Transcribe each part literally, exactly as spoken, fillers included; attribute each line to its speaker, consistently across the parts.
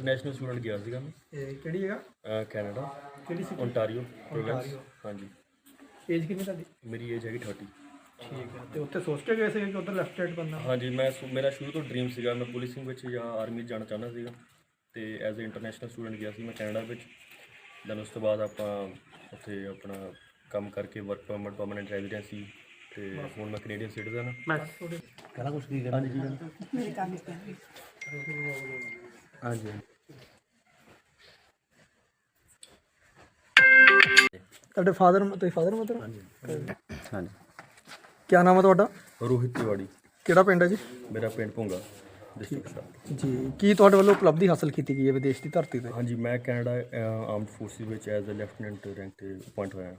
Speaker 1: International student ਗਿਆ ਸੀਗਾ ਮੈਂ।
Speaker 2: ਇਹ ਕਿਹੜੀ ਜਗ੍ਹਾ?
Speaker 1: ਕੈਨੇਡਾ,
Speaker 2: ਕਿਹੜੀ ਸੀ?
Speaker 1: Ontario province. ਹਾਂਜੀ।
Speaker 2: ਏਜ ਕਿੰਨੀ ਤੁਹਾਡੀ?
Speaker 1: ਮੇਰੀ ਏਜ ਹੈਗੀ ਥਰਟੀ।
Speaker 2: ਠੀਕ ਹੈ। ਤੇ ਉੱਥੇ ਸੋਚ ਕੇ ਗਏ ਸੀ ਕਿ ਉੱਧਰ ਲੈਫਟੀਨੈਂਟ ਬਣਨਾ?
Speaker 1: ਹਾਂਜੀ, ਮੈਂ ਮੇਰਾ ਸ਼ੁਰੂ ਤੋਂ ਡਰੀਮ ਸੀਗਾ ਮੈਂ ਪੁਲਿਸਿੰਗ ਵਿੱਚ ਜਾਂ ਆਰਮੀ 'ਚ ਜਾਣਾ ਚਾਹੁੰਦਾ ਸੀਗਾ, ਅਤੇ ਐਜ਼ ਏ ਇੰਟਰਨੈਸ਼ਨਲ ਸਟੂਡੈਂਟ ਗਿਆ ਸੀ ਮੈਂ ਕੈਨੇਡਾ ਵਿੱਚ। ਦੈਨ ਉਸ ਤੋਂ ਬਾਅਦ ਆਪਾਂ ਉੱਥੇ ਆਪਣਾ ਕੰਮ ਕਰਕੇ ਵਰਕ ਪਰਮਿਟ, ਪਰਮਾਨੈਂਟ ਰੈਜ਼ੀਡੈਂਸੀ, ਅਤੇ ਹੁਣ ਮੈਂ ਕੈਨੇਡੀਅਨ ਸਿਟੀਜ਼ਨ ਹਾਂ।
Speaker 2: ਕਹਿੰਦਾ ਕੁਛ ਕੀ
Speaker 1: ਹਾਂਜੀ ਕੀ ਕਹਿਣਾ?
Speaker 3: ਮੇਰੇ ਕੰਮ ਤੇ
Speaker 1: ਹਾਂਜੀ।
Speaker 2: ਤੁਹਾਡੇ ਫਾਦਰ ਤੇ ਫਾਦਰ ਮਦਰ?
Speaker 1: ਹਾਂਜੀ ਹਾਂਜੀ।
Speaker 2: ਕੀ ਨਾਮ ਹੈ ਤੁਹਾਡਾ?
Speaker 1: ਰੋਹਿਤ ਤਿਵਾੜੀ।
Speaker 2: ਕਿਹੜਾ ਪਿੰਡ ਹੈ ਜੀ?
Speaker 1: ਮੇਰਾ ਪਿੰਡ ਭੁੰਗਾ, ਡਿਸਟ੍ਰਿਕਟ ਸਾਹਿਬ।
Speaker 2: ਜੀ, ਕੀ ਤੁਹਾਡੇ ਵੱਲੋਂ ਉਪਲਬਧੀ ਹਾਸਲ ਕੀਤੀ ਗਈ ਹੈ ਵਿਦੇਸ਼ ਦੀ ਧਰਤੀ 'ਤੇ?
Speaker 1: ਹਾਂਜੀ, ਮੈਂ ਕੈਨੇਡਾ ਆਰਮਡ ਫੋਰਸਿਸ ਵਿੱਚ ਐਜ਼ ਅ ਲੈਫਟੀਨੈਂਟ ਰੈਂਕ 'ਤੇ ਅਪੁਆਇੰਟ ਹੋਇਆ।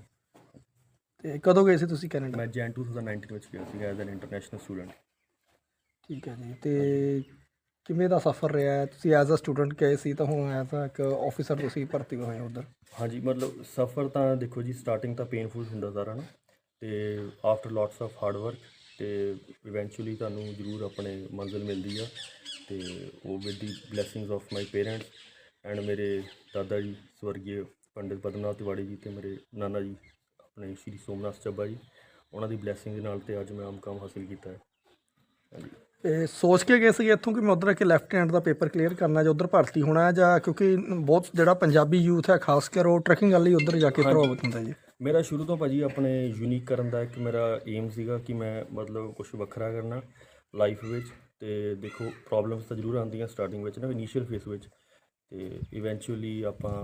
Speaker 2: ਤੇ ਕਦੋਂ ਗਏ ਸੀ ਤੁਸੀਂ ਕੈਨੇਡਾ?
Speaker 1: ਮੈਂ ਜੈਨ ਟੂ ਥਾਊਜ਼ੈਂਡ ਨਾਈਨਟੀਨ ਵਿੱਚ ਗਿਆ ਸੀ ਐਜ਼ ਐਨ ਇੰਟਰਨੈਸ਼ਨਲ ਸਟੂਡੈਂਟ।
Speaker 2: ਠੀਕ ਹੈ ਜੀ। ਤੇ ਕਿਵੇਂ ਦਾ ਸਫ਼ਰ ਰਿਹਾ ਹੈ? ਤੁਸੀਂ ਐਜ਼ ਅ ਸਟੂਡੈਂਟ ਗਏ ਸੀ ਤਾਂ ਹੁਣ ਐਜ਼ ਅ ਇੱਕ ਆਫਿਸਰ ਤੁਸੀਂ ਭਰਤੀ ਹੋਏ ਉੱਧਰ।
Speaker 1: ਹਾਂਜੀ, ਮਤਲਬ ਸਫ਼ਰ ਤਾਂ ਦੇਖੋ ਜੀ, ਸਟਾਰਟਿੰਗ ਤਾਂ ਪੇਨਫੁਲ ਹੁੰਦਾ ਸਾਰਾ ਨਾ, ਅਤੇ after lots of hard work ਅਤੇ ਇਵੈਂਚੁਅਲੀ ਤੁਹਾਨੂੰ ਜ਼ਰੂਰ ਆਪਣੇ ਮੰਜ਼ਿਲ ਮਿਲਦੀ ਆ। ਅਤੇ ਉਹ with the blessings of my parents and ਮੇਰੇ ਦਾਦਾ ਜੀ ਸਵਰਗੀ ਪੰਡਿਤ ਪਦਮਨਾਥ ਤਿਵਾੜੀ ਜੀ, ਅਤੇ ਮੇਰੇ ਨਾਨਾ ਜੀ ਆਪਣੇ ਸ਼੍ਰੀ ਸੋਮਨਾਥ ਚੱਬਾ ਜੀ, ਉਹਨਾਂ ਦੀ ਬਲੈਸਿੰਗ ਦੇ ਨਾਲ ਤੇ ਅੱਜ ਮੈਂ ਆਮ ਕੰਮ ਹਾਸਿਲ ਕੀਤਾ ਹੈ। ਹਾਂਜੀ।
Speaker 2: ਤੇ ਸੋਚ ਕੇ ਗਏ ਸੀਗੇ ਇੱਥੋਂ ਕਿ ਮੈਂ ਉੱਧਰ ਆ ਕੇ ਲੈਫਟੀਨੈਂਟ ਦਾ ਪੇਪਰ ਕਲੀਅਰ ਕਰਨਾ ਜਾਂ ਉੱਧਰ ਭਰਤੀ ਹੋਣਾ ਹੈ, ਜਾਂ ਕਿਉਂਕਿ ਬਹੁਤ ਜਿਹੜਾ ਪੰਜਾਬੀ ਯੂਥ ਹੈ ਖਾਸ ਕਰ ਉਹ ਟਰੈਕਿੰਗ ਵਾਲੀ ਉੱਧਰ ਜਾ ਕੇ ਪ੍ਰਭਾਵਿਤ ਹੁੰਦਾ ਜੀ?
Speaker 1: ਮੇਰਾ ਸ਼ੁਰੂ ਤੋਂ ਭਾਜੀ ਆਪਣੇ ਯੂਨੀਕ ਕਰਨ ਦਾ ਇੱਕ ਮੇਰਾ ਏਮ ਸੀਗਾ ਕਿ ਮੈਂ ਮਤਲਬ ਕੁਛ ਵੱਖਰਾ ਕਰਨਾ ਲਾਈਫ ਵਿੱਚ। ਅਤੇ ਦੇਖੋ ਪ੍ਰੋਬਲਮਸ ਤਾਂ ਜ਼ਰੂਰ ਆਉਂਦੀਆਂ ਸਟਾਰਟਿੰਗ ਵਿੱਚ ਨਾ, ਇਨੀਸ਼ੀਅਲ ਫੇਸ ਵਿੱਚ, ਅਤੇ ਇਵੈਂਚੁਅਲੀ ਆਪਾਂ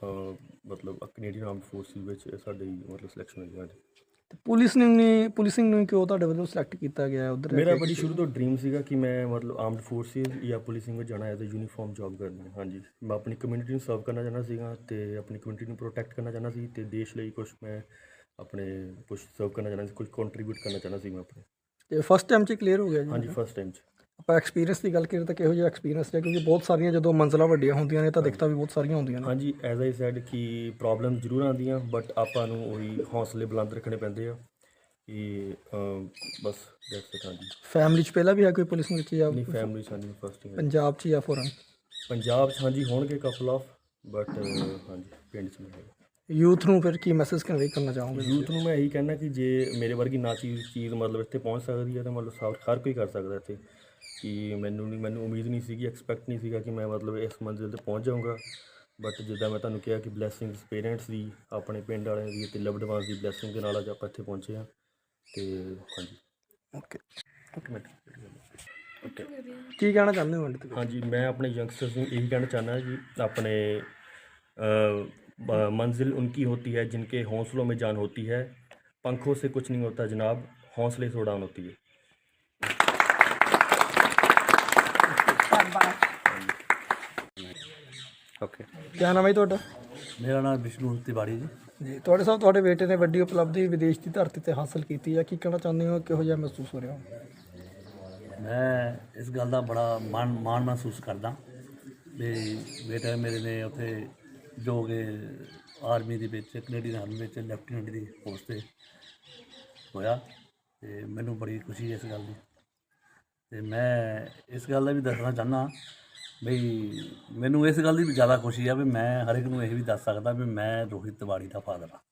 Speaker 1: ਮਤਲਬ ਕੈਨੇਡੀਅਨ ਆਰਮਡ ਫੋਰਸਿਸ ਵਿੱਚ ਸਾਡੀ ਮਤਲਬ ਸਿਲੈਕਸ਼ਨ ਹੋਈ। ਹਾਂਜੀ।
Speaker 2: ਪੁਲਿਸ ਨੇ ਨਹੀਂ ਪੁਲਿਸਿੰਗ ਨੂੰ ਕਿਉਂ ਤੁਹਾਡੇ ਵੱਲੋਂ ਸਿਲੈਕਟ ਕੀਤਾ ਗਿਆ ਉੱਧਰ?
Speaker 1: ਮੇਰਾ ਬੜੀ ਸ਼ੁਰੂ ਤੋਂ ਡਰੀਮ ਸੀਗਾ ਕਿ ਮੈਂ ਮਤਲਬ ਆਰਮਡ ਫੋਰਸਿਸ ਜਾਂ ਪੁਲਿਸਿੰਗ ਵਿੱਚ ਜਾਣਾ ਐਜ਼ ਅ ਯੂਨੀਫਾਰਮ ਜੋਬ ਕਰਨੀ ਹੈ। ਹਾਂਜੀ, ਮੈਂ ਆਪਣੀ ਕਮਿਊਨਿਟੀ ਨੂੰ ਸਰਵ ਕਰਨਾ ਚਾਹੁੰਦਾ ਸੀਗਾ, ਅਤੇ ਆਪਣੀ ਕਮਿਊਨਿਟੀ ਨੂੰ ਪ੍ਰੋਟੈਕਟ ਕਰਨਾ ਚਾਹੁੰਦਾ ਸੀ, ਅਤੇ ਦੇਸ਼ ਲਈ ਕੁਛ ਮੈਂ ਆਪਣੇ ਕੁਛ ਸਰਵ ਕਰਨਾ ਚਾਹੁੰਦਾ ਸੀ, ਕੁਛ ਕੰਟਰੀਬਿਊਟ ਕਰਨਾ ਚਾਹੁੰਦਾ ਸੀ ਮੈਂ ਆਪਣੇ।
Speaker 2: ਤੇ ਫਸਟ ਟਾਈਮ 'ਚ ਕਲੀਅਰ ਹੋ ਗਿਆ ਜੀ?
Speaker 1: ਹਾਂਜੀ, ਫਸਟ ਟਾਈਮ 'ਚ।
Speaker 2: ਆਪਾਂ ਐਕਸਪੀਰੀਅੰਸ ਦੀ ਗੱਲ ਕਰੀਏ ਤਾਂ ਕਿਹੋ ਜਿਹਾ ਐਕਸਪੀਰੀਅੰਸ ਹੈ? ਕਿਉਂਕਿ ਬਹੁਤ ਸਾਰੀਆਂ ਜਦੋਂ ਮੰਜ਼ਲਾਂ ਵੱਡੀਆਂ ਹੁੰਦੀਆਂ ਨੇ ਤਾਂ ਦਿੱਕਤਾਂ ਵੀ ਬਹੁਤ ਸਾਰੀਆਂ ਹੁੰਦੀਆਂ ਨੇ।
Speaker 1: ਹਾਂਜੀ, ਐਜ਼ ਆਈ ਸੈਡ ਕਿ ਪ੍ਰੋਬਲਮ ਜ਼ਰੂਰ ਆਉਂਦੀਆਂ, ਬਟ ਆਪਾਂ ਨੂੰ ਉਹੀ ਹੌਸਲੇ ਬੁਲੰਦ ਰੱਖਣੇ ਪੈਂਦੇ ਆ ਕਿ ਬਸ ਦੈਟਸ ਇਟ। ਹਾਂਜੀ।
Speaker 2: ਫੈਮਿਲੀ 'ਚ ਪਹਿਲਾਂ ਵੀ ਹੈ ਕੋਈ ਪੁਲਿਸ ਵਿੱਚ ਜਾਂ
Speaker 1: ਆਪਣੀ ਫੈਮਿਲੀ 'ਚ? ਹਾਂਜੀ, ਫਸਟ ਟਾਈਮ।
Speaker 2: ਪੰਜਾਬ 'ਚ ਜਾਂ ਫੋਰਨ?
Speaker 1: ਪੰਜਾਬ 'ਚ ਹਾਂਜੀ ਹੋਣਗੇ ਕਪਲ ਆਫ, ਬਟ ਹਾਂਜੀ ਪਿੰਡ 'ਚ ਨਹੀਂ ਹੈਗਾ।
Speaker 2: ਯੂਥ ਨੂੰ ਫਿਰ ਕੀ ਮੈਸੇਜ ਕਨਵੇ ਕਰਨਾ ਚਾਹੋਗੇ?
Speaker 1: ਯੂਥ ਨੂੰ ਮੈਂ ਇਹੀ ਕਹਿਣਾ ਕਿ ਜੇ ਮੇਰੇ ਵਰਗੀ ਨਾ ਚੀਜ਼ ਚੀਜ਼ ਮਤਲਬ ਇੱਥੇ ਪਹੁੰਚ ਸਕਦੀ ਹੈ ਤਾਂ ਮਤਲਬ ਸਭ ਹਰ ਕੋਈ ਕਰ ਸਕਦਾ ਇੱਥੇ। ਕਿ ਮੈਨੂੰ ਨਹੀਂ ਮੈਨੂੰ ਉਮੀਦ ਨਹੀਂ ਸੀਗੀ, ਐਕਸਪੈਕਟ ਨਹੀਂ ਸੀਗਾ ਕਿ ਮੈਂ ਮਤਲਬ ਇਸ ਮੰਜ਼ਿਲ 'ਤੇ ਪਹੁੰਚ ਜਾਊਂਗਾ, ਬਟ ਜਿੱਦਾਂ ਮੈਂ ਤੁਹਾਨੂੰ ਕਿਹਾ ਕਿ ਬਲੈਸਿੰਗਸ ਪੇਰੈਂਟਸ ਦੀ, ਆਪਣੇ ਪਿੰਡ ਵਾਲਿਆਂ ਦੀ ਅਤੇ ਲਵਡ ਵਨਸ ਦੀ ਬਲੈਸਿੰਗ ਦੇ ਨਾਲ ਅੱਜ ਆਪਾਂ ਇੱਥੇ ਪਹੁੰਚੇ ਹਾਂ। ਅਤੇ ਹਾਂਜੀ।
Speaker 2: ਓਕੇ
Speaker 1: ਓਕੇ ਓਕੇ
Speaker 2: ਕੀ ਕਹਿਣਾ ਚਾਹੁੰਦੇ ਹੋ? ਐਂਡ
Speaker 1: ਹਾਂਜੀ, ਮੈਂ ਆਪਣੇ ਯੰਗਸਟਰਸ ਨੂੰ ਇਹੀ ਕਹਿਣਾ ਚਾਹੁੰਦਾ कि अपने मंजिल उनकी होती है जिनके हौसलों में जान होती है, पंखों से कुछ नहीं होता जनाब, हौसले से उड़ान होती है। ਓਕੇ।
Speaker 2: ਕੀ ਨਾਮ ਹੈ ਤੁਹਾਡਾ?
Speaker 4: ਮੇਰਾ ਨਾਮ ਵਿਸ਼ਨੂੰ ਤਿਵਾੜੀ ਜੀ।
Speaker 2: ਜੀ, ਤੁਹਾਡੇ ਸਾਹਿਬ ਤੁਹਾਡੇ ਬੇਟੇ ਨੇ ਵੱਡੀ ਉਪਲਬਧੀ ਵਿਦੇਸ਼ ਦੀ ਧਰਤੀ 'ਤੇ ਹਾਸਲ ਕੀਤੀ ਹੈ, ਕੀ ਕਹਿਣਾ ਚਾਹੁੰਦੇ ਹੋ? ਕਿਹੋ ਜਿਹਾ ਮਹਿਸੂਸ ਹੋ ਰਿਹਾ ਹੋ?
Speaker 4: ਮੈਂ ਇਸ ਗੱਲ ਦਾ ਬੜਾ ਮਾਣ ਮਾਣ ਮਹਿਸੂਸ ਕਰਦਾ ਵੀ ਬੇਟਾ ਮੇਰੇ ਨੇ ਉੱਥੇ ਜੋ ਕਿ ਆਰਮੀ ਦੇ ਵਿੱਚ, ਕੈਨੇਡੀਅਨ ਆਰਮੀ ਵਿੱਚ ਲੈਫਟੀਨੈਂਟ ਦੀ ਪੋਸਟ 'ਤੇ ਹੋਇਆ, ਅਤੇ ਮੈਨੂੰ ਬੜੀ ਖੁਸ਼ੀ ਹੈ ਇਸ ਗੱਲ ਦੀ। ਅਤੇ ਮੈਂ ਇਸ ਗੱਲ ਦਾ ਵੀ ਦੱਸਣਾ ਚਾਹੁੰਦਾ ਬਈ ਮੈਨੂੰ ਇਸ ਗੱਲ ਦੀ ਵੀ ਜ਼ਿਆਦਾ ਖੁਸ਼ੀ ਆ ਵੀ ਮੈਂ ਹਰ ਇੱਕ ਨੂੰ ਇਹ ਵੀ ਦੱਸ ਸਕਦਾ ਵੀ ਮੈਂ ਰੋਹਿਤ ਤਿਵਾੜੀ ਦਾ ਫਾਦਰ ਹਾਂ।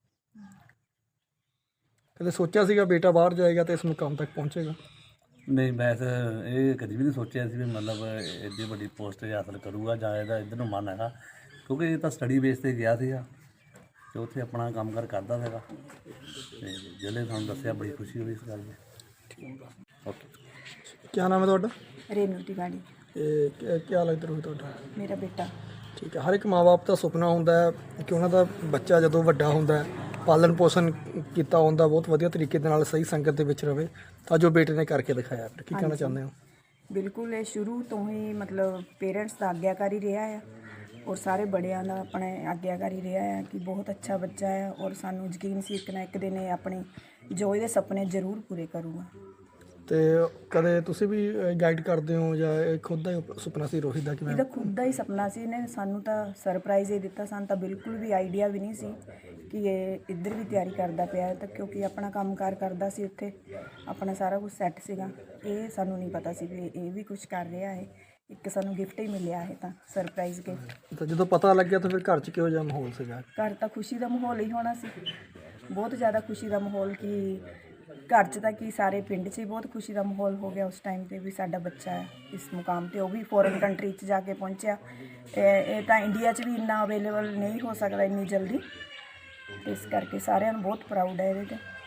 Speaker 2: ਕਦੇ ਸੋਚਿਆ ਸੀਗਾ ਬੇਟਾ ਬਾਹਰ ਜਾਏਗਾ ਅਤੇ ਇਸ ਮੁਕਾਮ ਤੱਕ ਪਹੁੰਚੇਗਾ?
Speaker 4: ਨਹੀਂ, ਮੈਂ ਤਾਂ ਇਹ ਕਦੀ ਵੀ ਨਹੀਂ ਸੋਚਿਆ ਸੀ ਵੀ ਮਤਲਬ ਐਡੀ ਵੱਡੀ ਪੋਸਟ ਹਾਸਲ ਕਰੂਗਾ ਜਾਂ ਇਹਦਾ ਇੱਧਰ ਨੂੰ ਮਨ ਹੈਗਾ, ਕਿਉਂਕਿ ਇਹ ਤਾਂ ਸਟੱਡੀ ਬੇਸ 'ਤੇ ਗਿਆ ਸੀਗਾ ਅਤੇ ਉੱਥੇ ਆਪਣਾ ਕੰਮ ਕਾਰ ਕਰਦਾ ਸੀਗਾ, ਅਤੇ ਜਿਹੜੇ ਤੁਹਾਨੂੰ ਦੱਸਿਆ ਬੜੀ ਖੁਸ਼ੀ ਹੋਈ ਇਸ ਗੱਲ ਦੀ। ਓਕੇ।
Speaker 2: ਕੀ ਨਾਮ ਹੈ ਤੁਹਾਡਾ?
Speaker 3: ਰੇਨੂ ਤਿਵਾੜੀ।
Speaker 2: ਇਹ ਕੀ ਲੱਗਦਾ ਰੋਹਿਤ ਤੁਹਾਡਾ?
Speaker 3: ਮੇਰਾ ਬੇਟਾ।
Speaker 2: ਠੀਕ ਹੈ। ਹਰ ਇੱਕ ਮਾਂ ਬਾਪ ਦਾ ਸੁਪਨਾ ਹੁੰਦਾ ਹੈ ਕਿ ਉਹਨਾਂ ਦਾ ਬੱਚਾ ਜਦੋਂ ਵੱਡਾ ਹੁੰਦਾ ਹੈ, ਪਾਲਣ ਪੋਸ਼ਣ ਕੀਤਾ ਹੁੰਦਾ ਬਹੁਤ ਵਧੀਆ ਤਰੀਕੇ ਦੇ ਨਾਲ, ਸਹੀ ਸੰਗਤ ਦੇ ਵਿੱਚ ਰਹੇ, ਤਾਂ ਜੋ ਬੇਟੇ ਨੇ ਕਰਕੇ ਦਿਖਾਇਆ। ਫਿਰ ਕੀ ਕਹਿਣਾ ਚਾਹੁੰਦੇ ਹੋ?
Speaker 3: ਬਿਲਕੁਲ, ਇਹ ਸ਼ੁਰੂ ਤੋਂ ਹੀ ਮਤਲਬ ਪੇਰੈਂਟਸ ਦਾ ਆਗਿਆਕਾਰੀ ਰਿਹਾ ਆ, ਔਰ ਸਾਰੇ ਬੜਿਆਂ ਦਾ ਆਪਣੇ ਆਗਿਆਕਾਰੀ ਰਿਹਾ ਹੈ ਕਿ ਬਹੁਤ ਅੱਛਾ ਬੱਚਾ ਹੈ, ਔਰ ਸਾਨੂੰ ਯਕੀਨ ਸੀ ਇੱਕ ਨਾ ਇੱਕ ਦਿਨ ਇਹ ਆਪਣੇ ਜੋ ਇਹਦੇ ਸੁਪਨੇ ਜ਼ਰੂਰ ਪੂਰੇ ਕਰੂਗਾ।
Speaker 2: ਅਤੇ ਕਦੇ ਤੁਸੀਂ ਵੀ ਗਾਈਡ ਕਰਦੇ ਹੋ ਜਾਂ ਇਹ ਖੁਦ ਦਾ ਹੀ ਸੁਪਨਾ ਸੀ ਰੋਹਿਤ ਦਾ? ਕਿਵੇਂ?
Speaker 3: ਇਹਦਾ ਖੁਦ ਦਾ ਹੀ ਸੁਪਨਾ ਸੀ, ਇਹਨੇ ਸਾਨੂੰ ਤਾਂ ਸਰਪ੍ਰਾਈਜ਼ ਹੀ ਦਿੱਤਾ, ਸਾਨੂੰ ਤਾਂ ਬਿਲਕੁਲ ਵੀ ਆਈਡੀਆ ਵੀ ਨਹੀਂ ਸੀ ਕਿ ਇਹ ਇੱਧਰ ਵੀ ਤਿਆਰੀ ਕਰਦਾ ਪਿਆ, ਤਾਂ ਕਿਉਂਕਿ ਆਪਣਾ ਕੰਮ ਕਾਰ ਕਰਦਾ ਸੀ ਉੱਥੇ, ਆਪਣਾ ਸਾਰਾ ਕੁਝ ਸੈੱਟ ਸੀਗਾ। ਇਹ ਸਾਨੂੰ ਨਹੀਂ ਪਤਾ ਸੀ ਵੀ ਇਹ ਵੀ ਕੁਝ ਕਰ ਰਿਹਾ ਹੈ। ਇੱਕ ਸਾਨੂੰ ਗਿਫਟ ਹੀ ਮਿਲਿਆ ਹੈ ਤਾਂ ਸਰਪ੍ਰਾਈਜ਼ ਗਿਫਟ।
Speaker 2: ਤਾਂ ਜਦੋਂ ਪਤਾ ਲੱਗਿਆ ਤਾਂ ਫਿਰ ਘਰ 'ਚ ਕਿਹੋ ਜਿਹਾ ਮਾਹੌਲ ਸੀਗਾ?
Speaker 3: ਘਰ ਤਾਂ ਖੁਸ਼ੀ ਦਾ ਮਾਹੌਲ ਹੀ ਹੋਣਾ ਸੀ, ਬਹੁਤ ਜ਼ਿਆਦਾ ਖੁਸ਼ੀ ਦਾ ਮਾਹੌਲ, ਕਿ ਘਰ 'ਚ ਤਾਂ ਕੀ ਸਾਰੇ ਪਿੰਡ 'ਚ ਹੀ ਬਹੁਤ ਖੁਸ਼ੀ ਦਾ ਮਾਹੌਲ ਹੋ ਗਿਆ ਉਸ ਟਾਈਮ 'ਤੇ ਵੀ ਸਾਡਾ ਬੱਚਾ ਹੈ ਇਸ ਮੁਕਾਮ 'ਤੇ, ਉਹ ਵੀ ਫੋਰਨ ਕੰਟਰੀ 'ਚ ਜਾ ਕੇ ਪਹੁੰਚਿਆ। ਇਹ ਇਹ ਤਾਂ ਇੰਡੀਆ 'ਚ ਵੀ ਇੰਨਾ ਅਵੇਲੇਬਲ ਨਹੀਂ ਹੋ ਸਕਦਾ ਇੰਨੀ ਜਲਦੀ, ਇਸ ਕਰਕੇ ਸਾਰਿਆਂ ਨੂੰ ਬਹੁਤ ਪ੍ਰਾਊਡ ਹੈ ਇਹਦੇ 'ਤੇ।